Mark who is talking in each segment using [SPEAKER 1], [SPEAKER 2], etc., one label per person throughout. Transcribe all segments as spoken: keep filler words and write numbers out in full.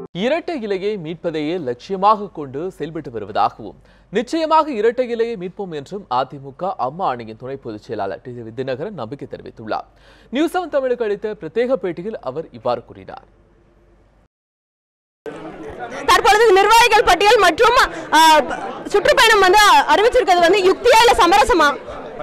[SPEAKER 1] இரட்டை இலையை மீட்பதையே லட்சியமாக கொண்டு செயல்பட்டு வருவதாகவும் நிச்சயமாக இரட்டை இலையை மீட்போம் என்றும் அதிமுக அம்மா அணியின் துணை பொதுச் செயலாளர் டி தினகரன் நம்பிக்கை தெரிவித்துள்ளார். நியூஸ் செவன் தமிழுக்கு அளித்த பிரத்யேக பேட்டியில் அவர் இவ்வாறு கூறினார்.
[SPEAKER 2] தற்பொழுது நிர்வாகிகள் பட்டியல் மற்றும் சுற்றுப்பயணம் வந்து அறிவிச்சிருக்கிறது வந்து யுக்தியா இல்ல சமரசமா?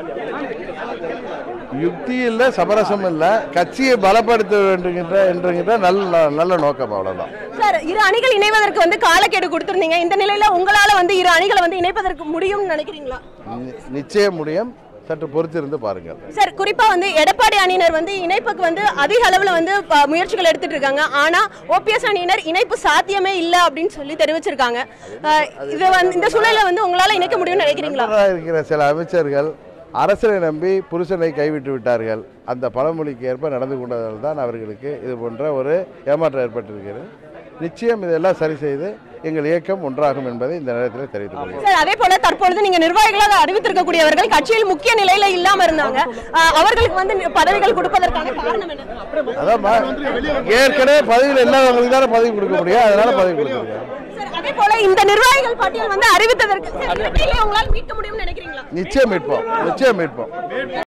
[SPEAKER 3] யுக்தி இல்ல, சமரசம் இல்ல, கட்சியை பலப்படுத்த வேண்டும் என்கின்ற நல்ல நல்ல நோக்கம், அவ்வளவுதான்.
[SPEAKER 2] சார், இரு அணிகள் இணைவதற்கு வந்து காலக்கெடு கொடுத்திருந்தீங்க. இந்த நிலையில உங்களால வந்து இரு அணிகளை வந்து இணைப்பதற்கு முடியும்னு நினைக்கிறீங்களா?
[SPEAKER 3] நிச்சயம் முடியும், சற்று பொறுத்திருந்து பாருங்க.
[SPEAKER 2] சார், குறிப்பா வந்து எடப்பாடி அணியினர் வந்து இணைப்புக்கு வந்து அதிக அளவுல வந்து முயற்சிகள் எடுத்துட்டு இருக்காங்க. ஆனா ஓபிஎஸ் அணியினர் இணைப்பு சாத்தியமே இல்ல அப்படின்னு சொல்லி தெரிவிச்சிருக்காங்க. இது வந்து இந்த சூழல்ல வந்து உங்களால இணைக்க முடியும்னு நினைக்கிறீங்களா?
[SPEAKER 3] இருக்கிற சில அமைச்சர்கள் அரசனை நம்பி புருஷனை கைவிட்டு விட்டார்கள். அந்த பழமொழிக்கு ஏற்ப நடந்து கொண்டதால் தான் அவர்களுக்கு இது போன்ற ஒரு ஏமாற்றம் ஏற்பட்டிருக்கிறது. நிச்சயம் இதெல்லாம் சரி செய்து எங்கள் இயக்கம் ஒன்றாகும் என்பதை இந்த நேரத்தில் தெரிவித்துக் கொள்கிறேன்.
[SPEAKER 2] அதே போல தற்பொழுது நீங்க நிர்வாகிகளாக அறிவித்திருக்கக்கூடியவர்கள் கட்சியில் முக்கிய நிலையில இல்லாம இருந்தாங்க. அவர்களுக்கு வந்து பதவிகள் கொடுப்பதற்கான காரணம் என்ன?
[SPEAKER 3] அதான் ஏற்கனவே பதவியில் இல்லாதவங்களுக்கு தானே பதவி கொடுக்க முடியும், அதனால பதவி கொடுத்துருக்கேன்.
[SPEAKER 2] அதே போல இந்த நிர்வாகிகள் பட்டியல் வந்து அறிவித்ததற்கு உங்களால் மீட்க முடியும்னு நினைக்கிறீங்களா?
[SPEAKER 3] நிச்சயம் மீட்போம், நிச்சயம் மீட்போம்.